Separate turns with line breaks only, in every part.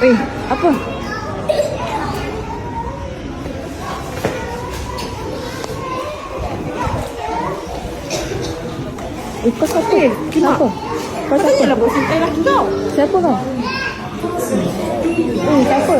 Apa? Kau siapa? Kenapa? Kau siapa?
Lah bawa sintai laki kau.
Siapa kau? Siapa?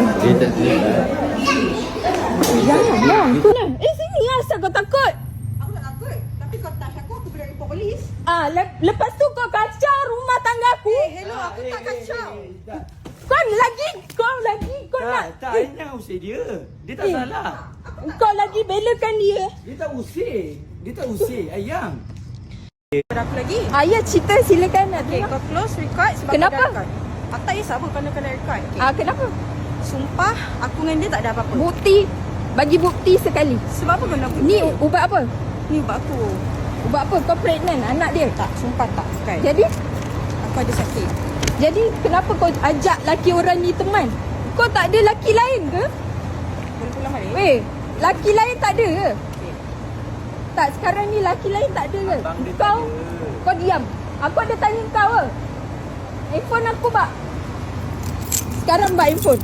Jangan. Sini lah asal kau takut.
Aku tak takut. Tapi kau touch aku boleh report polis.
Lepas tu kau kacau rumah tangga aku.
Hello, aku tak kacau.
Kau lagi nak.
Tak, Aina usir dia. Dia tak salah.
Kau lagi belakan dia.
Dia tak usir. Ayang.
Berapa lagi?
Ayah cerita silakan.
Okay, kau close record sebab
Kenapa?
kau dah record. Aku tak kisah pun kalau kena record. Okay.
Kenapa?
Sumpah, aku dengan dia tak ada apa-apa.
Bukti. Bagi bukti sekali.
Sebab apa kau nak bukti?
Ni ubat apa?
Ni ubat aku.
Ubat apa? Kau pregnant anak dia?
Tak, sumpah tak. Bukan.
Jadi?
Aku ada sakit.
Jadi kenapa kau ajak laki orang ni teman? Kau tak ada laki lain ke?
Boleh pulang balik?
Weh, laki lain tak ada ke?
Okay.
Tak, sekarang ni laki lain tak ada ke?
Abang dia tak
Kau,
ada.
kau diam. Aku ada tanya kau ke? Handphone aku bak. Sekarang bak handphone.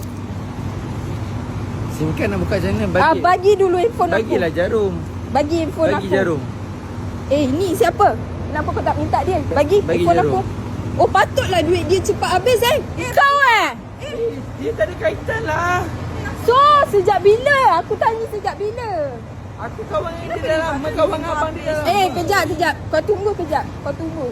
SIM card nak buka macam mana?
Bagi dulu handphone aku.
Bagilah jarum.
Bagi handphone
Bagi
aku.
jarum.
Ni siapa? Kenapa kau tak minta dia? Bagi
Bagi
handphone
jarum.
aku. Oh, patutlah duit dia cepat habis Kau
Dia tak ada kaitan lah.
So, sejak bila? Aku tanya sejak bila?
Aku kawan dengan dia dah lama. Kawan dengan abang dia dah lama.
Kejap. Kau tunggu kejap. Kau tunggu.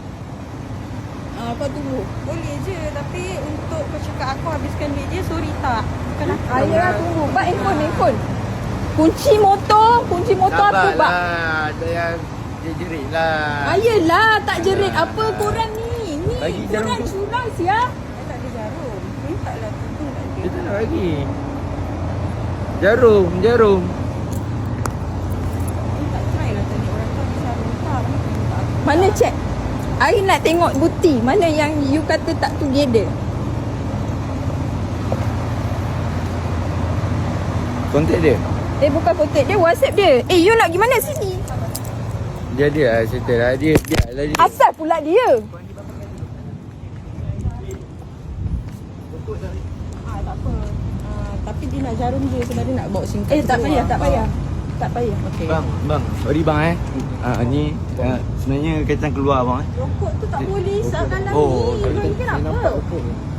Boleh je. Tapi untuk kau cakap aku habiskan duit je, sorry tak. Bukan aku.
Ayah tunggu. Bak handphone. Kunci motor
Tak
aku bak.
lah. Ada yang dia jerit lah.
Ayolah, tak jerit apa korang ni.
Bagi jarum
korang
tu.
curang sia.
Saya tak ada jarum. Minta lah tuntung kat
Dia
dia.
tak nak bagi. Jarum.
Minta try lah tadi. Orang tu bisa minta. Minta aku.
Mana check? Hari nak tengok bukti. Mana yang you kata tak together.
Kontak dia.
Bukan kontak dia, WhatsApp dia. You nak pergi mana sini?
Dia lah settle lah. Dia biarlah dia.
Asal pula dia?
Tak apa. Tapi dia nak jarum je. Sebenarnya nak bawa SIM card.
Tak payah. Tak payah.
Okay.
Bang. Sorry bang ni sebenarnya kaitan keluar bang
Rokok tu tak boleh. Salah
Oh,
ni. Kau ni kenapa?